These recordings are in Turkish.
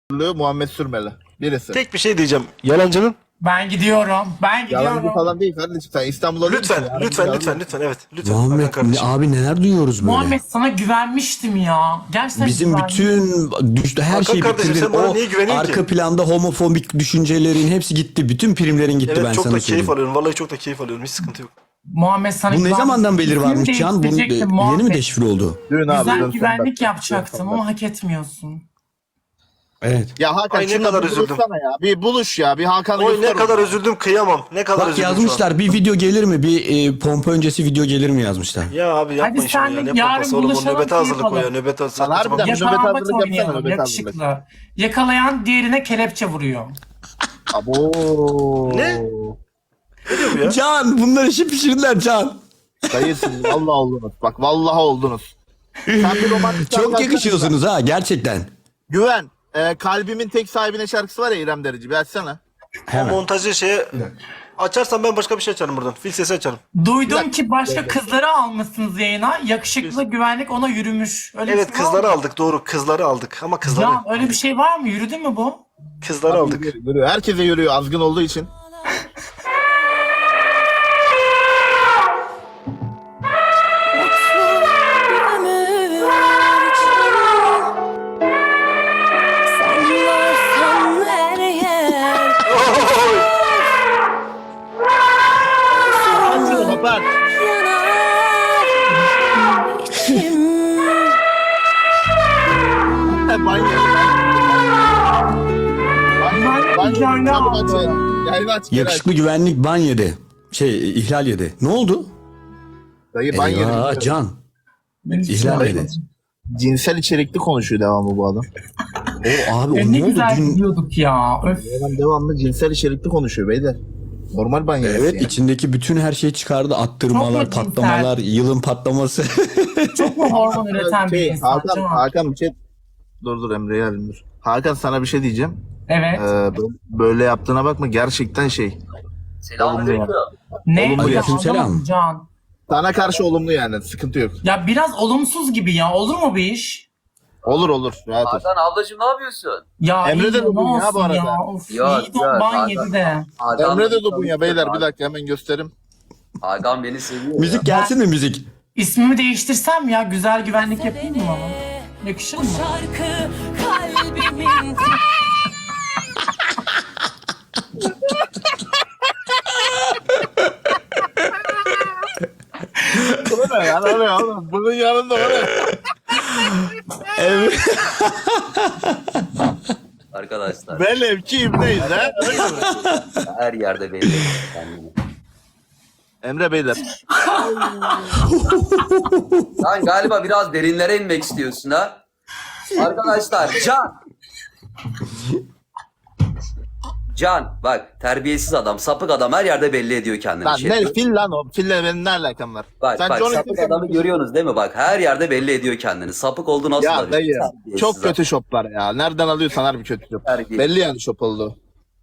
Muhammed Sürmeli. Birisi. Tek bir şey diyeceğim. Yalancının. Ben gidiyorum. Yalancı falan değil kardeşim. Sen İstanbul'a Lütfen, değilsin ya. lütfen, evet. Lütfen. Muhammed Hakan kardeşim. abi neler duyuyoruz böyle. Muhammed sana güvenmiştim ya. Gerçekten Bizim güvenmiştim. bütün her Hakan şeyi kardeşim, bitirdin. sen bana O niye güveniyorsun arka ki? planda homofobik düşüncelerin hepsi gitti. Bütün primlerin gitti, ben Evet, çok sana da keyif söyleyeyim. alıyorum. Vallahi çok da keyif alıyorum. Hiç sıkıntı yok. Muhammed sana Bu ne güvenmiştim. zamandan beri İsmimi varmış Can? Bu değiştirecektim yeni mi Muhammed. deşifre oldu? Dün abi. Güzel dün güvenlik son yapacaktım dakika. ama hak etmiyorsun. Evet. Ya Hakan Ay, ne şununla kadar bir üzüldüm. buluşsana ya. Bir buluş ya. Bir Hakan'ı Oy, ne göster kadar bana. üzüldüm, kıyamam. Ne kadar Bak üzüldüm yazmışlar, bir video gelir mi? Bir pompa öncesi video gelir mi yazmışlar. şu an. Ya abi yapmayın Hadi şunu ya. senle Ne yarın pompası oğlum, o buluşalım, nöbete hazırlık o ya. keyif Nöbete Lan hazırlık. harbiden Tamam. nöbet Yakalanmaç hazırlık yapsana, oynayalım nöbet yakışıklı. Yakalayan diğerine kelepçe vuruyor. Abo. Ne? Ne diyor bu ya? Can, bunlar işi pişirdiler Can. Dayısın. Vallahi oldunuz. Bak vallahi oldunuz. Sen bir romantik Çok şarkı yakışıyorsunuz ha, gerçekten. Güven. Kalbimin tek sahibine şarkısı var ya İrem Derici. Bir açsana. O Hemen. montajı şeye açarsan ben başka bir şey açarım buradan. Fil sesi açarım. Duydum ki başka kızları almışsınız yayına. Yakışıklı güvenlik ona yürümüş. Öyle bir Evet, şey var kızları mı? aldık, doğru. Kızları aldık ama kızları. Ya öyle bir şey var mı? Yürüdü mü bu? Kızları aldık. Yürüyor. Herkese yürüyor azgın olduğu için. Açın kapat. Banyo. Banyo Çabuk aldı. açın. Yayını aç. geri aç. Yakışıklı güvenlik ban yedi. İhlal yedi. Ne oldu? Dayı banyo. Eyvah Can. İhlal yedi. Cinsel içerikli konuşuyor devamlı bu adam. O abi o Ne ne oldu? güzel Dün gidiyorduk ya. Öf. Adam devamlı cinsel içerikli konuşuyor beyler. Normal banyo. evet, yani. içindeki bütün her şeyi çıkardı. Attırmalar, Çok mu cinsel? patlamalar, yılın patlaması. Çok mu hormon üreten bir insan? Hakan bir şey... Dur Emre'yi alayım dur. Hakan sana bir şey diyeceğim. Evet. Böyle yaptığına bakma gerçekten şey. Selamünaleyküm. Ne? olumlu Ya, aleykümselam. anlamadım Can. Sana karşı olumlu yani sıkıntı yok. Ya biraz olumsuz gibi ya. Olur mu bir iş? Olur rahat ol. Hakan ablacığım ne yapıyorsun? Ya Emre iyi de ne bugün ya bu olsun arada. Of, Yok, iyi de yok, ban Hakan. yedi de. Hakan Emre de beni Dubunya tanıyor. beyler bir dakika hemen gösterim. Hakan beni seviyor Müzik gelsin mi müzik? İsmimi değiştirsem ya güzel güvenlik yapayım mı bana? Yakışır mı? Şarkı kalbimin O ne ya o ne oğlum? Bunun yanında o ne? Evet. Arkadaşlar Ben evki ibneyiz ha. Öyle mi? her yerde belli kendini. Emre beyler. Sen galiba biraz derinlere inmek istiyorsun ha. Arkadaşlar Can bak terbiyesiz adam, sapık adam her yerde belli ediyor kendini. Lan Şey. ne fil lan o. Fille benim ne alakam var? Bak Sen bak Johnny sapık Depp'in- adamı görüyorsunuz değil mi? Bak her yerde belli ediyor kendini. Sapık oldu nasıl Ya alıyor? dayı Terbiyesiz çok adam. kötü şoplar ya. Nereden alıyorsan harbi kötü şop. Terbiyesiz. Belli yani şop oldu.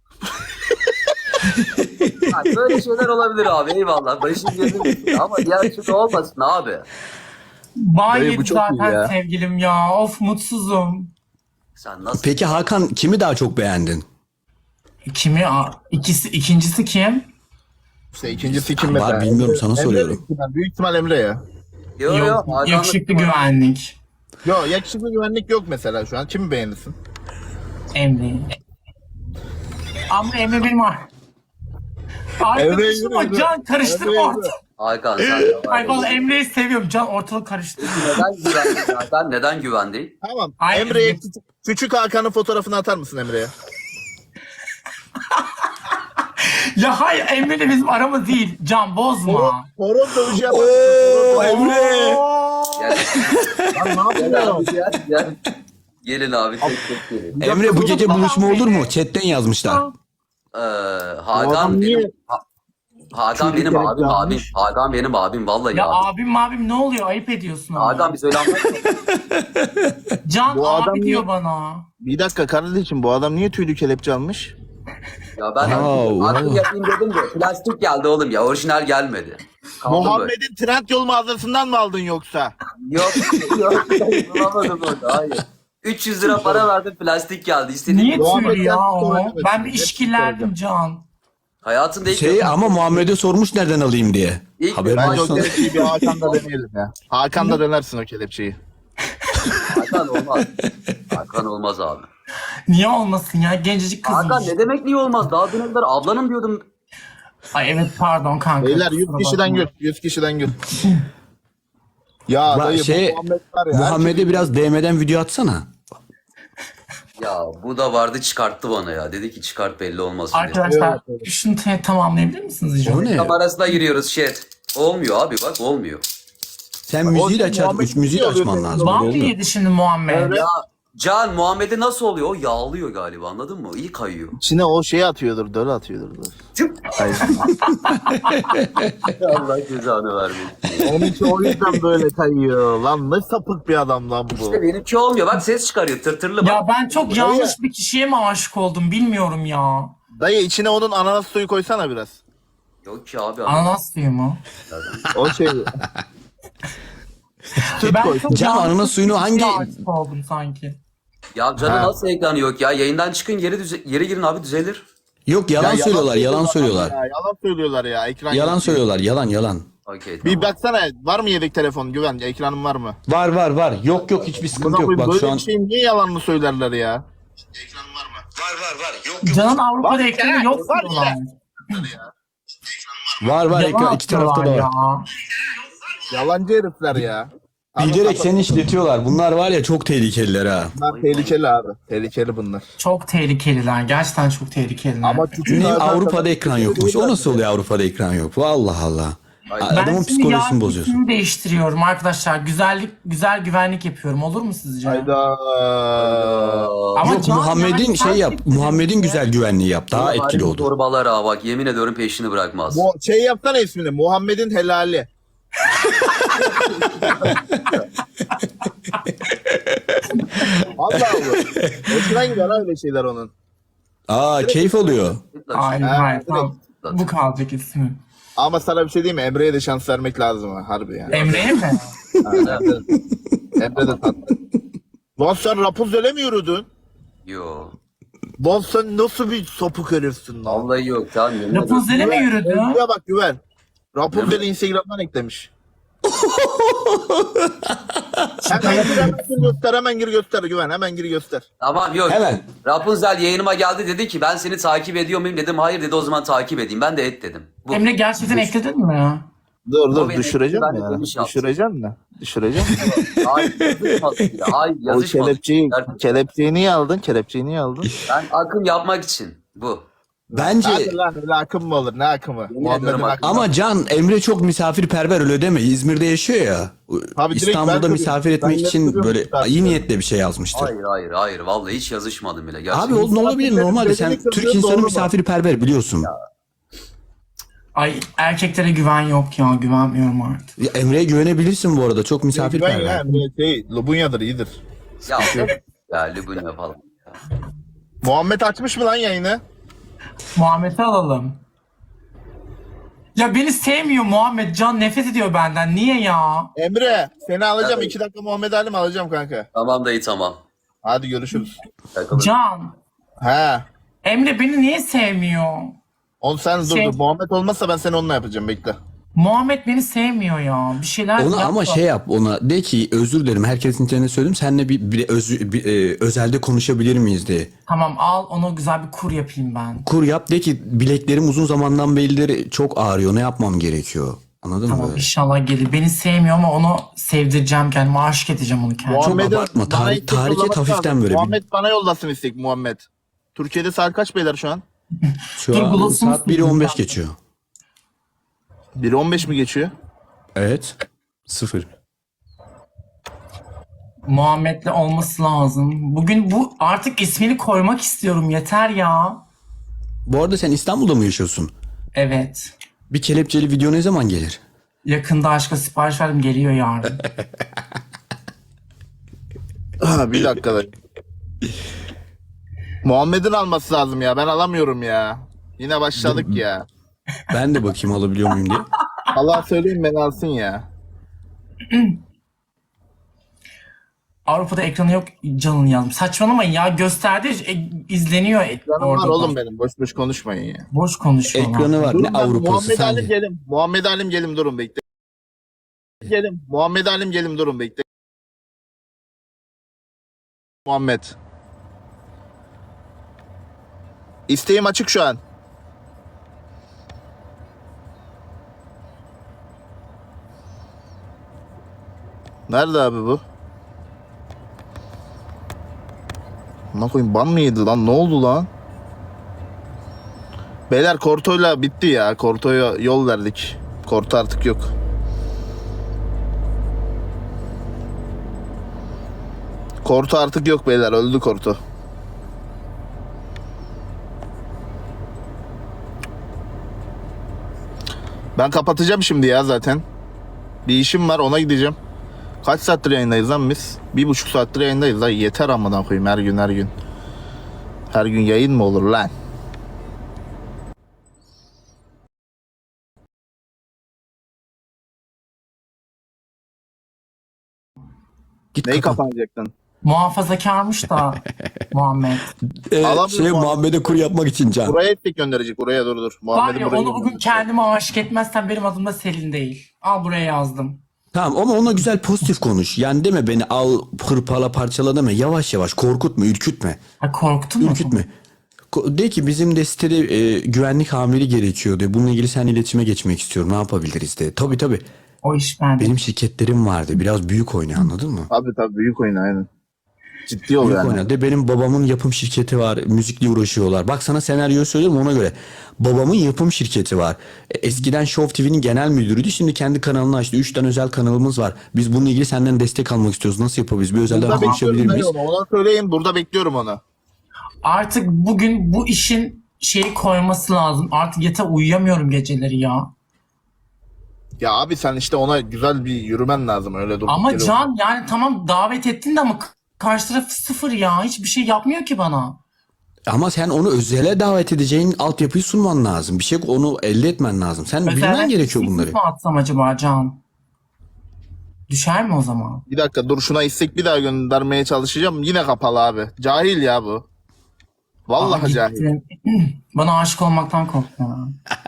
Bak, böyle şeyler olabilir abi eyvallah. Başım gözüm ama diğer türlü olmasın abi. Ban Dayı, bu yedi çok iyi zaten ya. sevgilim ya. Of mutsuzum. Sen nasıl? Peki Hakan kimi daha çok beğendin? Kimi? İkincisi kim? İşte ikincisi kim Var, mesela? bilmiyorum, sana Emre soruyorum. büyük ihtimal- Büyük ihtimal Emre ya. Yok, yakışıklı güvenlik. Yo yakışıklı güvenlik yok mesela şu an. Kimi beğenirsin? Emre. Ama Emre benim arkadaşım o yürü. Can karıştırma Emre yürü. ortalığı. Hakan sen de var. Ay vallahi Emre'yi seviyorum Can ortalık karıştırma. Neden güvendin Hakan? Neden güvendin? Tamam. Ay, Emre'ye Emre. küçük Hakan'ın fotoğrafını atar mısın Emre'ye? Ya hayır Emre'yle bizim aramız değil. Can bozma. Horon dövüşü yapar Oo mısın? Emre. Gel, Lan ne gel yapıyorsun? abi gel. Gelin abi tek tek gelin. Emre bu gece buluşma olur mu? Chatten yazmışlar. Hakan adam niye- benim Hakan benim Çocuk abim yapmış. Hakan benim abim vallahi Ya abim. abim ne oluyor? Ayıp ediyorsun ama. Hakan bir söyle anlat. Can Bu adam abi niye- diyor bana. Bir dakika kardeşim bu adam niye tüylü kelepçe almış? Ya ben Wow, artık wow. yapayım dedim de plastik geldi oğlum ya orijinal gelmedi. Kaldı böyle. Muhammed'in Trendyol mağazasından mı aldın yoksa? Yok bulamadım orada hayır. 300 lira para verdim, plastik geldi. İstediğim Niye Muhammed tüylü ya gerçekten o? öyle Ben bir Hepsi işkillerdim Can. hayatımda ilk Şey ama Muhammed'e sormuş nereden alayım diye. İlk Haberin Bence o olsun. kelepçeyi bir Hakan'da deneyelim ya. Hakan'da dönersin o kelepçeyi. Hakan olmaz. Hakan olmaz abi. Niye olmasın ya? Gencecik kızmış. Hakan ne demek niye olmaz? Daha dün kadar ablanım diyordum. Ay evet pardon kanka. Beyler 100 kusura kişiden bakma. gül. 100 kişiden gül. Ya dayı Şey, bu Muhammed var ya. Muhammed'e biraz DM'den video atsana. Ya bu da vardı, çıkarttı bana ya. Dedi ki çıkart, belli olmasın diye. Arkadaşlar şunu tamamlayabilir misiniz rica O ne? Kamerasına giriyoruz chat. Olmuyor abi, bak olmuyor. Sen müziği de açar, Muhammed müziği oluyor açman senin lazım. Var Öyle mı olmuyor. yedi şimdi Muhammed? Ya Can, Muhammed'e nasıl oluyor? O yağlıyor galiba, anladın mı? İyi kayıyor. İçine o şeyi atıyordur, döl atıyordur. Hayır. Allah cezanı vermesin. Onun için o yüzden böyle kayıyor. Lan ne sapık bir adam lan bu. İşte benimki olmuyor. Bak ses çıkarıyor, tırtırlı bak. Ya ben çok yanlış bir kişiye mi aşık oldum bilmiyorum ya. Dayı içine onun ananas suyu koysana biraz. Yok ki abi. Ananas suyu mu? O şey. Süt Ben koy. çok Can, yanlış ananas suyunu bir kişiye hangi- aşık oldum sanki. Ya canı Ha. nasıl ekranı yok ya? Yayından çıkın, geri girin abi, düzelir. Yok yalan söylüyorlar, yalan söylüyorlar. Ya, yalan söylüyorlar ya. Ekran Yalan yok. söylüyorlar, yalan. Okey, Bir tamam. baksana var mı yedek telefon Güven? Ekranın var mı? Var. Yok hiçbir sıkıntı yok. Bak böyle şu an bir şeyin niye yalanını söylerler ya? Can'ın Avrupa'da Var ekranı ya, yok var diyorlar. var Yalan iki tarafta da atıyorlar var. ya. Yalancı herifler ya. Bilerek seni işletiyorlar. Bunlar var ya çok tehlikeliler ha. Bunlar tehlikeli abi. Tehlikeli bunlar. Çok tehlikeliler. Gerçekten çok tehlikeliler. Ama küçük Ne zaten- Avrupa'da ekran yokmuş. O nasıl oluyor Avrupa'da ekran yok? Allah Allah. Hayır. ben Adamın şimdi psikolojisini yarın bozuyorsun. ismimi değiştiriyorum arkadaşlar. Güzel güvenlik yapıyorum. Olur mu sizce? Hayda. Ama Yok Can, Muhammed'in yani şey yap. gerçekten Muhammed'in ya. güzel güvenliği yap. Daha etkili olur. Torbalar ha, bak yemin ediyorum peşini bırakmaz. Şey yapsana ismini. Muhammed'in helali. Allah Allah. Hoşuna gider öyle şeyler onun. Aa keyif oluyor. Hayır Ha, hayır. direkt. Tamam. Bu kalacak ismi. Ama sana bir şey diyeyim mi? Emre'ye de şans vermek lazım ha. Harbi yani. Emre'ye mi? Ha, Emre de tatlı. Lan sen Rapunzel'e mi yürüdün? Yo. Lan sen nasıl bir sapık herifsin lan? Vallahi yok, tamam yemin ediyorum. Rapunzel'e mi yürüdü? Emre'ye bak Güven. Rapunzel'i Instagram'dan eklemiş. hemen gir göster Güven. Hemen gir göster. Tamam yok. Hemen. Rapunzel yayınıma geldi, dedi ki ben seni takip ediyor muyum, dedim hayır, dedi o zaman takip edeyim. Ben de et dedim. Bu. Emre gerçekten ekledin mi? Dur O beni düşüreceğim ben de ya. demiş yaptım. Düşüreceğim mi? Düşüreceğim. Ay yazışmadık ya. Ay O yazışmadık. kelepçeyi niye aldın? Kelepçeyi niye aldın? Ben akım yapmak için bu. Bence Hadi lan öyle akım mı olur? Ne akımı? Muhammed'in ediyorum akımı. ama Can Emre çok misafirperver öyle deme. İzmir'de yaşıyor ya. Tabii direkt ben İstanbul'da tabii. misafir Ben etmek için yaptırıyorum böyle misafir. iyi niyetle bir şey yazmıştır. Hayır. Vallahi hiç yazışmadım bile. Gerçekten. Abi o ne olabilir Misafirlerin normalde sen bedeni Türk doğru insanı mu? misafirperver biliyorsun. Ay erkeklere güven yok ya. Güvenmiyorum artık. Ya Emre'ye güvenebilirsin bu arada çok Güven misafirperver. ya. Lubunya'dır iyidir. Ya Lübün yapalım. Muhammed açmış mı lan yayını? Muhammed'i alalım. Ya beni sevmiyor Muhammed. Can nefret ediyor benden. Niye ya? Emre seni alacağım. Evet. 2 dakika Muhammed Ali'mi alacağım kanka. Tamam dayı, tamam. Hadi görüşürüz. Takılın. Can. He. Emre beni niye sevmiyor? Onu sen dur Şey- dur. Muhammed olmazsa ben seni onunla yapacağım bekle. Muhammed beni sevmiyor ya. Bir şeyler Ona ama yapma. şey yap ona de ki özür dilerim herkesin içine söyledim seninle özelde konuşabilir miyiz de. Tamam al onu güzel bir kur yapayım ben. Kur yap de ki bileklerim uzun zamandan berileri çok ağrıyor ne yapmam gerekiyor. Anladın Tamam mı? inşallah gelir. Beni sevmiyor ama onu sevdireceğim kendime. Aşık edeceğim onu kendime. Muhammed'in abartma, bana tahrik- istek tahrik et yollaması hafiften lazım. böyle bir- Muhammed bana yollasın istek Muhammed. Türkiye'de saat kaç beyler şu an? Şu Dur, an gloss'unu saat 1:15 geçiyor. 1:15 mi geçiyor? Evet. 0. Muhammed'le olması lazım. Bugün bu artık ismini koymak istiyorum. Yeter ya. Bu arada sen İstanbul'da mı yaşıyorsun? Evet. Bir kelepçeli video ne zaman gelir? Yakında aşka sipariş verdim. Geliyor yarın. Bir dakika da. Muhammed'in alması lazım ya. Ben alamıyorum ya. Yine başladık ya. Ben de bakayım alabiliyor muyum diye. Allah söyleyeyim beni alsın ya. Avrupa'da ekranı yok Can'ın yazmış. Saçmalamayın ya, gösterdi izleniyor Canım var orada. oğlum benim. Boş boş konuşmayın ya. Boş konuşuyorlar. Ekranı var. Durun Ne ben Avrupa'sı Muhammed Alim sen? gelim. Muhammed Alim gelim durun bekle. Gelim. Muhammed Alim gelim durun bekle. Muhammed. İsteğim açık şu an. Nerede abi bu? Ne koyayım, ban mı yedi lan? Ne oldu lan? Beyler Korto'yla bitti ya. Korto'ya yol verdik. Korto artık yok. Korto artık yok beyler. Öldü Korto. Ben kapatacağım şimdi ya zaten. Bir işim var, ona gideceğim. Kaç saattir yayındayız lan biz? 1,5 saattir yayındayız lan. Yeter amına koyayım her gün her gün. Her gün yayın mı olur lan? Git Neyi kapat. kapanacaktın? Muhafazakarmış da Muhammed. Alamıyorum Muhammed'e kur yapmak için Can. Buraya ettik gönderecek. Buraya dur. Var Muhammed'i ya, buraya onu bugün gönderecek. kendime aşık etmezsen benim adım da Selin değil. Al, buraya yazdım. Tamam ama ona güzel pozitif konuş. Yani deme beni al hırpala parçala deme. Yavaş yavaş korkutma, ürkütme. Ha, korktun mu? Ürkütme. De ki bizim de sitede güvenlik amiri gerekiyor de. Bununla ilgili seninle iletişime geçmek istiyorum. Ne yapabiliriz de. Tabii. O iş bende. Benim şirketlerim vardı. Biraz büyük oyna, anladın mı? Tabii büyük oyun aynen. Ciddi ol Büyük yani. oyna. De benim babamın yapım şirketi var. Müzikle uğraşıyorlar. Bak sana senaryoyu söylüyorum ona göre. Babamın yapım şirketi var. Eskiden Show TV'nin genel müdürüydü. Şimdi kendi kanalını açtı. 3 tane özel kanalımız var. Biz bununla ilgili senden destek almak istiyoruz. Nasıl yapabiliriz? Bir özelden Burada konuşabilir bekliyorum miyiz? ben onu. Ona söyleyin. Burada bekliyorum onu. Artık bugün bu işin şeyi koyması lazım. Artık yatağa uyuyamıyorum geceleri ya. Ya abi sen işte ona güzel bir yürümen lazım öyle dur. Ama Can, yani tamam davet ettin de ama karşı taraf sıfır ya. Hiçbir şey yapmıyor ki bana. Ama sen onu özele davet edeceğin altyapıyı sunman lazım. Bir şey onu elde etmen lazım. Sen bilmen gerekiyor bunları. mi atsam acaba Can? Düşer mi o zaman? Bir dakika dur, şuna istek bir daha göndermeye çalışacağım. Yine kapalı abi. Cahil ya bu. Vallahi Aa, cahil. gitti. Bana aşık olmaktan korktum ya.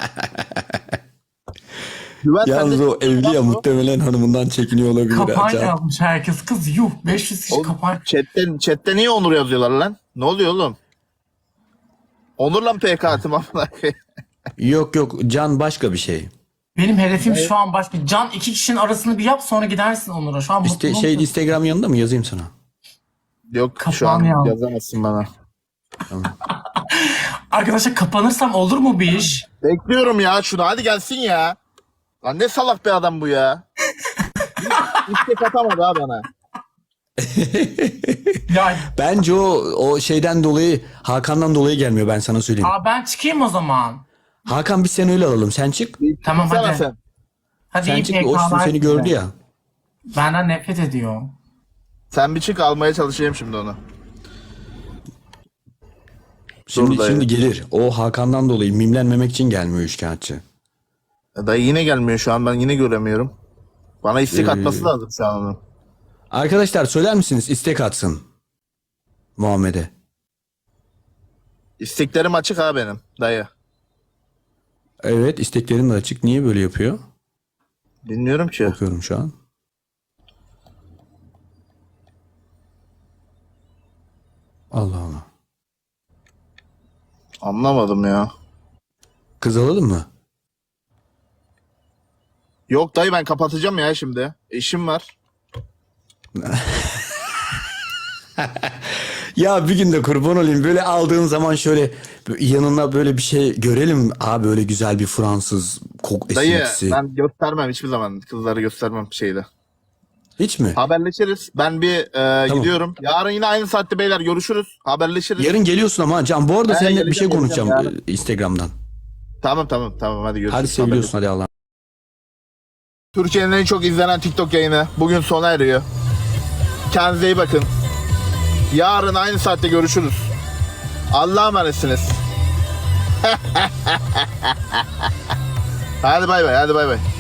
Güven Yalnız sende- o evli ya, muhtemelen hanımından çekiniyor olabilir. Kapar Can. yazmış herkes. Kız yuh, 500 kişi Oğlum, kapar. chatte niye Onur yazıyorlar lan? Ne oluyor oğlum? Onur'la mı PK atım amına koyayım? Yok Can başka bir şey. Benim hedefim şu an başka. Can, 2 kişinin arasını bir yap, sonra gidersin Onur'a. Şu an İşte mutluyum. Instagram yanında mı yazayım sana? Yok şu Kapağını an yaz. yazamazsın bana. Arkadaşlar, kapanırsam olur mu bir iş? Bekliyorum ya şunu, hadi gelsin ya. Lan ne salak bir adam bu ya. İstek atamadı ha bana. Ya Bence o şeyden dolayı, Hakan'dan dolayı gelmiyor, ben sana söyleyeyim. ben çıkayım o zaman. Hakan biz seni öyle alalım, sen çık. Tamam, Sana hadi. sen. Hadi Sen iyi çık, o PK'lar seni size. gördü ya. Benden nefret ediyor. Sen bir çık, almaya çalışayım şimdi onu. Şimdi, dayı. şimdi gelir. O Hakan'dan dolayı mimlenmemek için gelmiyor üçkağıtçı. Dayı yine gelmiyor şu an, ben yine göremiyorum. Bana istek atması lazım şu an onun. Arkadaşlar söyler misiniz istek atsın Muhammed'e? İsteklerim açık ha benim dayı. Evet, isteklerim de açık. Niye böyle yapıyor? Bilmiyorum ki. Bakıyorum şu an. Allah Allah. Anlamadım ya. Kız alalım mı? Yok dayı, ben kapatacağım ya şimdi. İşim var. Ya bir gün de kurban olayım, böyle aldığın zaman şöyle yanına böyle bir şey görelim. Abi öyle güzel bir Fransız Dayı esintisi. ben göstermem hiçbir zaman. Kızları göstermem şeyde. Hiç mi? Haberleşiriz. Ben bir gidiyorum. Yarın yine aynı saatte beyler görüşürüz. Haberleşiriz. Yarın geliyorsun ama Can. Bu arada He, seninle bir şey geleceğim konuşacağım yarın. Instagram'dan. Tamam hadi görüşürüz. Hadi seviyorsun, hadi Allah'a. Türkiye'nin en çok izlenen TikTok yayını bugün sona eriyor. Kendinize iyi bakın. Yarın aynı saatte görüşürüz. Allah'a emanetsiniz. Hadi bay bay.